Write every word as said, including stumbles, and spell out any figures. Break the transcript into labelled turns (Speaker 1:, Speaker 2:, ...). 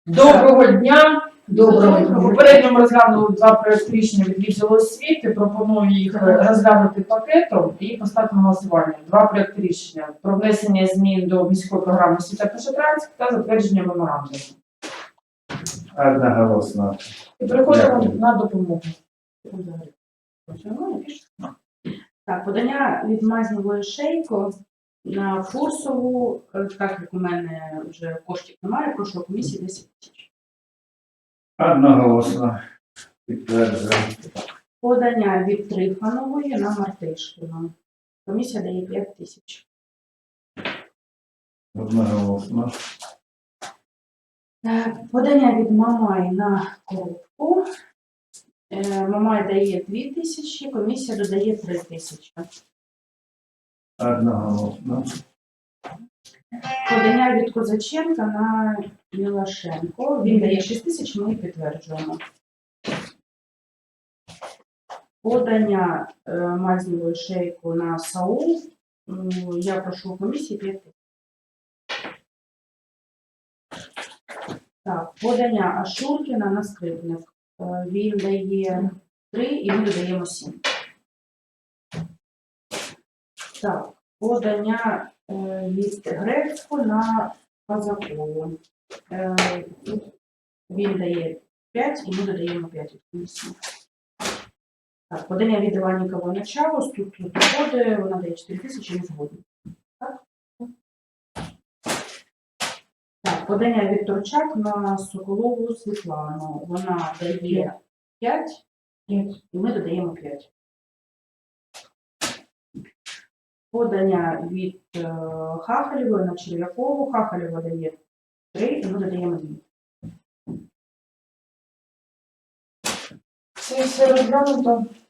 Speaker 1: Доброго дня.
Speaker 2: Доброго дня.
Speaker 1: Попередньо ми розглянули два проєкти рішення від відділу освіти. Пропоную їх розглянути пакетом і поставити на голосування. Два проєкти рішення про внесення змін до міської програми освіта Пошетрацьк та затвердження меморандуму.
Speaker 2: Одноголосно.
Speaker 1: І переходимо
Speaker 2: Дякую.
Speaker 1: на допомогу.
Speaker 3: Так, подання від Мазнєвої Шейко на Фурсову, е, так як у мене вже коштів немає, прошу комісії десять тисяч.
Speaker 2: Одноголосно. Підтверджую.
Speaker 3: Подання від Трифанової на Мартишкіна. Комісія дає п'ять тисяч.
Speaker 2: Одноголосно.
Speaker 3: Е, Подання від Мамай на Коробку. Е, Мамай дає дві тисячі, комісія додає три тисячі.
Speaker 2: Одноголосно.
Speaker 3: Подання від Козаченка на Мілашенко. Він дає шість тисяч, ми підтверджуємо. Подання е, Мазнєвої Шейку на Саул. М, Я прошу у комісії п'ять тисяч. Так, подання Ашуркіна на Скрипник. Е, Він дає три і ми додаємо сім. Так, подання е, від Грецьку на Казакову. Е, Він дає п'ять і ми додаємо п'ять від комісії. Так, подання від Іваннікової на Чавус, тут тут доходи, вона дає чотири тисячі, не згодні. Так? Так, подання від Торчак на Соколову Світлану. Вона дає п'ять і ми додаємо п'ять. Подання від е, Хахалєвої на Черв'якову. Хахалєва дає три і ми додаємо дві.
Speaker 1: Це все розглянуто.